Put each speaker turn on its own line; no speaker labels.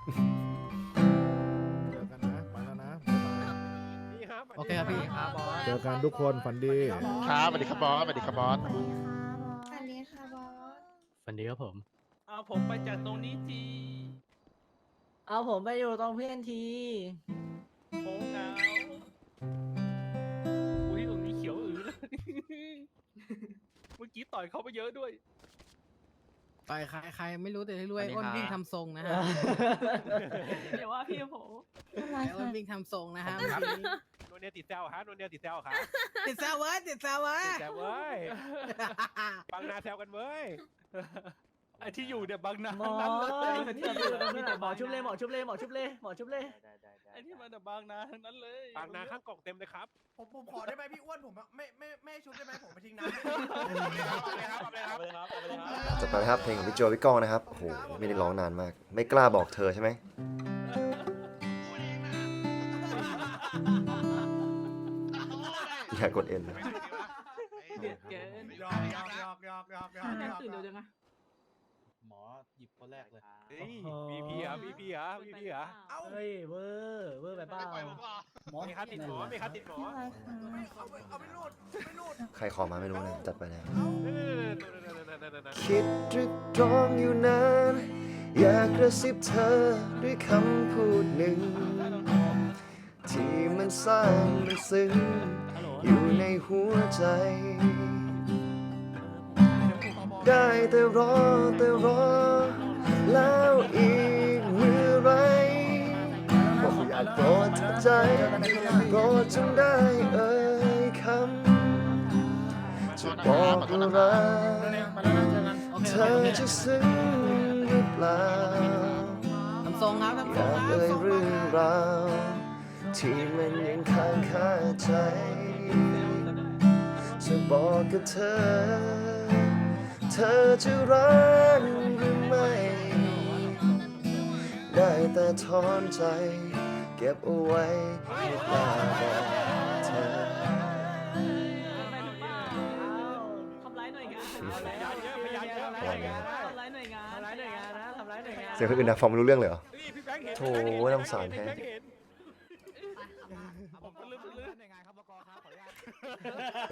เจอกันนะไปแล้วนะบ๊ายบาย
นี่ครับ
โอเคครับพี่ครับบอส
เจอกันทุกคนฝันดี
ครับสวัสดีครับบอสสวัสดีครับบอส
สวัสดีค่ะบอส
ฝันดีครับผม
เอาผมไปจากตรงนี้ที
เอาผมไปอยู่ตรงเพื่อนที
โค้งเหงาอุ้ยตรงนี้เขียวอือเลย เมื่อกี้ต่อยเขาไปเยอะด้วย
ต่อยใครไม่รู้แต่ที่รวย
สวัสดีครับ
อ้นวิ่งทำทรงนะฮะ
เดี๋ยวว่าพี่ผม
อะไร
ไอ้อ้น
คะ
วิ่งทำทรงนะฮะ
โนเนียติดแซวฮะโนเนียติดแซวค่ะ
ติดแซวเว้ยติดแซวเว้ย
ติดแซวเว้ยบางนาแซวกันเว้ยไอที่อยู่เนี่ยบางนา
หมอ
ทั้งนั้นเลย
ที่อยู่ตรงนั้นน่ะหมอชุบเลยหมอชุบเลยหมอชุบเลยหมอชุบเลย
ไอที่มาจากบางนาทั้งนั้นเลย
บางนาข้างกล่องเต็มเลยครับ
ผมขอได้ไหมพี่อ้วนผมไม่ชุบได้ไหมผมไปทิ้งน้ำ
จบไปนะครับเพลงของพี่โจพี่ก้องนะครับโอ้โหไม่ได้ร้องนานมาก ไม่กล้าบอกเธอใช่ไหมอย่ากดเอ็นนะ
เด็ดเกิน
หยอก
ตื่นเร็วจังอะ
หมอหยิบคนแรกเลย
พีพีเหรอพีพีเหรอพีพีเหรอ
เอ้า
เฮ้ยเวอร์ไปเปล่า
มีคัดติดหมอมีคัดติดหมอ
อะไรคะ
เอาไม่รูดไม่รูด
ใครขอมาไม่รู้นะจัดไปแล้ว
นั่น
คิดตรึกตรองอยู่นานอยากกระซิบเธอด้วยคำพูดหนึ่ง ที่มันสร้างมันซึ้งอยู่ในหัวใจ ได้แต่รอแล้วอีกเมื่อไรบอกอยากโปรดเธอใจโปรดจงได้เอ่ยคำจะบอกว่ารัก
โอเค
เธอจะซึ้งหรือเปล่า
ทำทรงครับทำ
อ
ทร
ยาง ก
ครับ
เอ่ยเรื่องราวที่มันยังค้างคาใจ จะบอกกับเธอ เธอจะรักหรือไม่ ได้แต่ถอนใจ เก็บเอาไว้ไม่กล้าบอกเธอ
ทำร้ายหน่วยงาน
พยานเยอะพยานเยอะ
ทำร้ายหน่วยงานทำร้ายหน่วยงานนะทำร้ายหน่วยงาน
เสียงคนอื่นนะฟังไม่รู้เรื่องเลยเหรอ
พี่แบงค์เห็น
โถ่น่าสงสารแท้
พี่บงค์เห็นผมก็ลืม